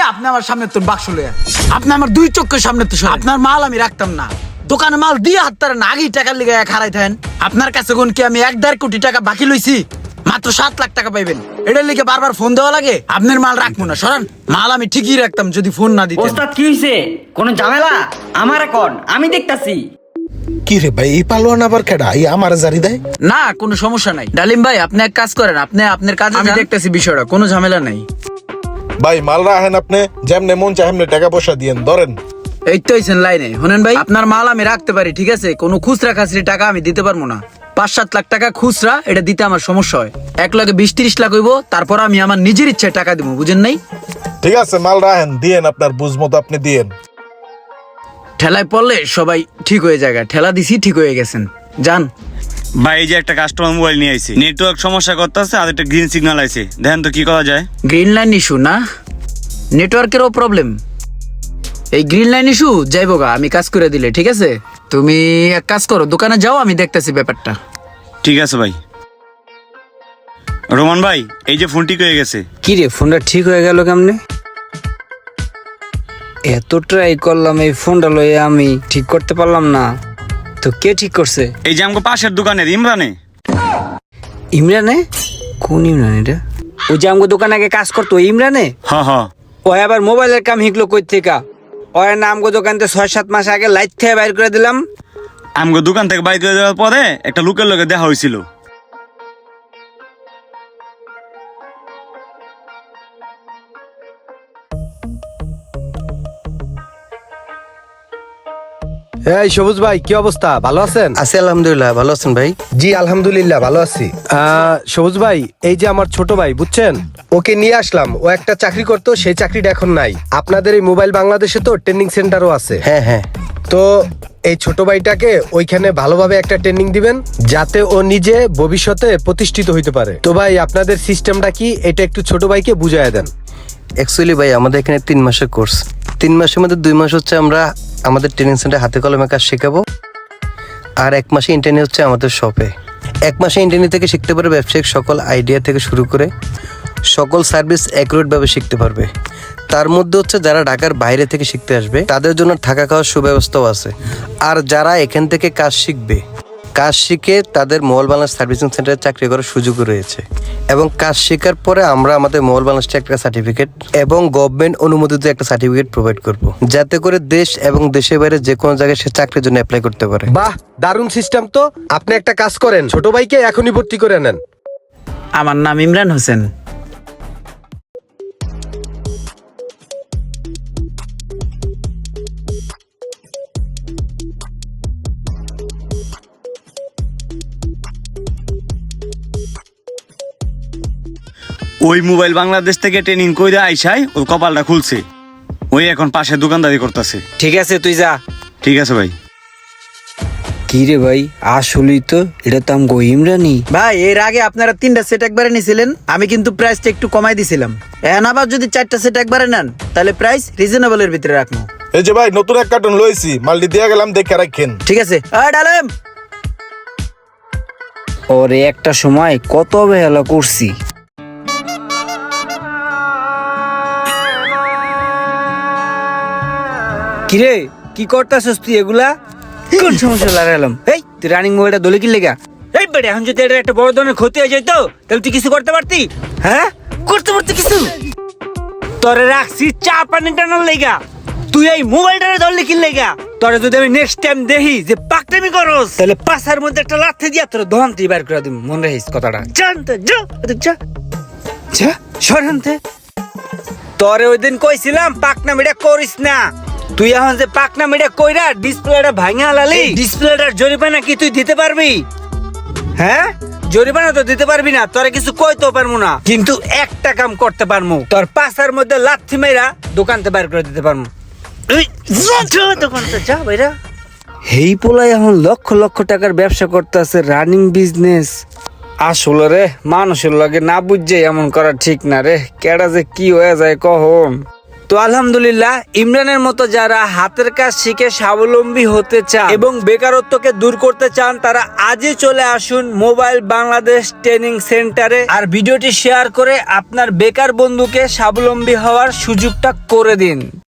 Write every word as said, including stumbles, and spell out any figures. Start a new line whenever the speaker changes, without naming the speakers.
আপনি আমার সামনে তোর বাক্স লইয়া আপনি আমার দুই চোখের সামনে তো আপনার মাল আমি রাখতাম না দোকানে মাল দিয়ে হাত না আগেই টাকার লিগে খারাই থাকেন আপনার কাছে কোন কি আমি এক দেড় কোটি টাকা বাকি লইছি মাত্র সাত লাখ টাকা পাইবেন এটার লিগে বারবার ফোন দেওয়া লাগে আপনার মাল রাখবো না সরান মাল আমি ঠিকই রাখতাম যদি ফোন না দিতেন।
ওস্তাদ কি হইছে কোন ঝামেলা আমার এখন আমি দেখতাছি।
কি রে ভাই এই পালোয়ান আবার কেডা এই আমার জারি দেয়
না কোনো সমস্যা নাই ডালিম ভাই আপনি এক কাজ করেন আপনি আপনার কাজ আমি দেখতেছি বিষয়টা কোনো ঝামেলা নাই।
ভাই মাল রাখেন আপনি যেমনে মন চায় এমনি টাকা পয়সা দিয়েন ধরেন।
এই তো আইছেন লাইনে শুনেন ভাই আপনার মাল আমি রাখতে পারি ঠিক আছে কোনো খুচরা খাসরি টাকা আমি দিতে পারবো না পাঁচ সাত লাখ টাকা খুচরা এটা দিতে আমার সমস্যা হয় এক লাখে বিশ তিরিশ লাখ হইব তারপর আমি আমার নিজের ইচ্ছায় টাকা দিব বুঝেন নাই।
ঠিক আছে মাল রাখেন দিয়েন আপনার বুঝ মতো আপনি দিয়েন।
ঠেলায় পড়লে সবাই ঠিক হয়ে যায় ঠেলা দিছি ঠিক হয়ে গেছেন যান।
ভাই এই যে একটা কাস্টমার মোবাইল নিয়ে আইছে নেটওয়ার্ক সমস্যা করতেছে আর একটা গ্রিন সিগন্যাল আইছে দেখেন তো কি করা যায়।
গ্রিন লাইন ইস্যু না নেটওয়ার্কেরও প্রবলেম এই গ্রিন লাইন ইস্যু যাইবো গা আমি কাজ করে দিলে ঠিক আছে তুমি এক কাজ করো দোকানে যাও আমি দেখতেছি ব্যাপারটা।
ঠিক আছে ভাই। রোমান ভাই এই যে ফোন ঠিক হয়ে গেছে।
কি রে ফোনটা ঠিক হয়ে গেল কেমনে? এত ট্রাই করলাম এই ফোনটা লইয়া আমি ঠিক করতে পারলাম না তো কে ঠিক করছে?
এই যে আমাকে পাশের দোকানের ইমরানে।
ইমরানে? কোন ইমরান এটা? ওই যে আমাকে দোকানে আগে কাজ করতো ওই ইমরানে?
হ হ
ও আবার মোবাইলের কাম শিখলো কই থেকে? ওর নাম গো দোকানতে ছয় সাত মাস আগে লাইট থেকে বাইর করে দিলাম।
আমাকে দোকান থেকে বাইর করে দেওয়ার পরে একটা লোকের লগে দেখা হয়েছিল।
এই সবুজ ভাই কি অবস্থা ভালো আছেন?
আছি আলহামদুলিল্লাহ, ভালো আছেন ভাই?
জি আলহামদুলিল্লাহ ভালো আছি। আহ, সবুজ ভাই এই যে আমার ছোট ভাই বুঝছেন ওকে নিয়ে আসলাম ও একটা চাকরি করতো সেই চাকরিটা এখন নাই আপনাদের এই মোবাইল বাংলাদেশে তো ট্রেনিং সেন্টারও আছে।
হ্যাঁ হ্যাঁ
তো এই ছোট ভাইটাকে ওইখানে ভালোভাবে একটা ট্রেনিং দিবেন যাতে ও নিজে ভবিষ্যতে প্রতিষ্ঠিত হইতে পারে। তো ভাই আপনাদের সিস্টেমটা কি এটা একটু ছোট ভাইকে বুঝাইয়া দেন।
অ্যাকচুয়ালি ভাই আমাদের এখানে তিন মাসের কোর্স, তিন মাসের মধ্যে দুই মাস হচ্ছে আমরা আমাদের ট্রেনিং সেন্টারে হাতে কলমে কাজ শেখাবো আর এক মাসে ইন্টারনি হচ্ছে আমাদের শপে। এক মাসে ইন্টারনি থেকে শিখতে পারবে ব্যবসায়িক সকল আইডিয়া থেকে শুরু করে সকল সার্ভিস অ্যাকুরেটভাবে শিখতে পারবে। তার মধ্যে হচ্ছে যারা ঢাকার বাইরে থেকে শিখতে আসবে তাদের জন্য থাকা খাওয়ার সুব্যবস্থাও আছে। আর যারা এখান থেকে কাজ শিখবে কাজ শিখে তাদের মোবাইল বাংলাদেশ সার্ভিসিং সেন্টারে চাকরি করার সুযোগও রয়েছে এবং কাজ শেখার পরে আমরা আমাদের মোবাইল বাংলাদেশে একটা সার্টিফিকেট এবং গভর্নমেন্ট অনুমোদিত একটা সার্টিফিকেট প্রোভাইড করব যাতে করে দেশ এবং দেশের বাইরে যে কোনো জায়গায় সে চাকরির জন্য অ্যাপ্লাই করতে পারে।
বাহ দারুণ সিস্টেম তো। আপনি একটা কাজ করেন ছোট ভাইকে এখনই ভর্তি করে নেন।
আমার নাম ইমরান হোসেন।
ওই মোবাইল বাংলাদেশ থেকে ট্রেনিং কইরা আইসাই ওর কপালটা খুলছে, ওই এখন পাশে দোকানদারি করতেছে।
ঠিক আছে তুই যা।
ঠিক আছে ভাই।
কি রে ভাই আসলেই তো এটা তো আমগো ইমরানি।
ভাই এর আগে আপনারা তিনটা সেট একবারে নিছিলেন আমি কিন্তু প্রাইসটা একটু কমাই দিছিলাম এখন আবার যদি চারটা সেট একবারে নেন তাহলে প্রাইস রিজনেবল এর ভিতরে রাখবো।
এই যে ভাই নতুন এক কার্টুন লইছি মালটি দিয়ে গেলাম দেখে রাখেন।
ঠিক আছে আয় ডালেম।
ওরে একটা সময় কত অবহেলা করছি। কিরে কি করতাছস তুই এগুলা? কোন সমস্যা লাগালাম? এই তুই রানিং মোবাইলটা দলে কি লেগা? এই বেটা এখন যদি এটা একটা বড় ধরনের ক্ষতি হয়ে যেত তাহলে তুই কিছু করতে পারতি? হ্যাঁ করতে পারতি কিছু? তোরে রাখছি চা পানি টানার লেগা, তুই এই মোবাইলটারে ধরলি কি লেগা? তোরে যদি আমি নেক্সট টাইম দেখি যে পাকটামি করস তাহলে পাশার মধ্যে একটা লাথি দিয়া তোর দহনতি বার করে দিম, মনে রাখিস কথাটা। জানতে যা যা যা সরান্তে। তোরে ওই দিন কইছিলাম পাকনামিটা করিস না, তুই এখন যে পাকনামিটা কইরা ডিসপ্লেটা ভাঙা লালি ডিসপ্লেটার জরিমানা কি তুই দিতে পারবি? হ্যাঁ জরিমানা তো দিতে পারবি না, তোরে কিছু কইতেও পারবো না, কিন্তু একটা কাম করতে পারবো, তোর পাশার মধ্যে লাথি মেরা দোকানতে বাইর করে দিতে পারবো। দোকানতে যা ভাইরা। হেই পোলাই এখন লক্ষ লক্ষ টাকার ব্যবসা করতেছে, রানিং বিজনেস। আসলে রে মানুষের লগে না বুঝছে এমন করা ঠিক না রে, কেডা যে কি হয়ে যায় কখন। তো আলহামদুলিল্লাহ, ইমরানের মতো যারা হাতের কাজ শিখে স্বাবলম্বী হতে চান এবং বেকারত্বকে দূর করতে চান, তারা আজই চলে আসুন মোবাইল বাংলাদেশ ট্রেনিং সেন্টারে, আর ভিডিওটি শেয়ার করে আপনার বেকার বন্ধুকে স্বাবলম্বী হওয়ার সুযোগটা করে দিন।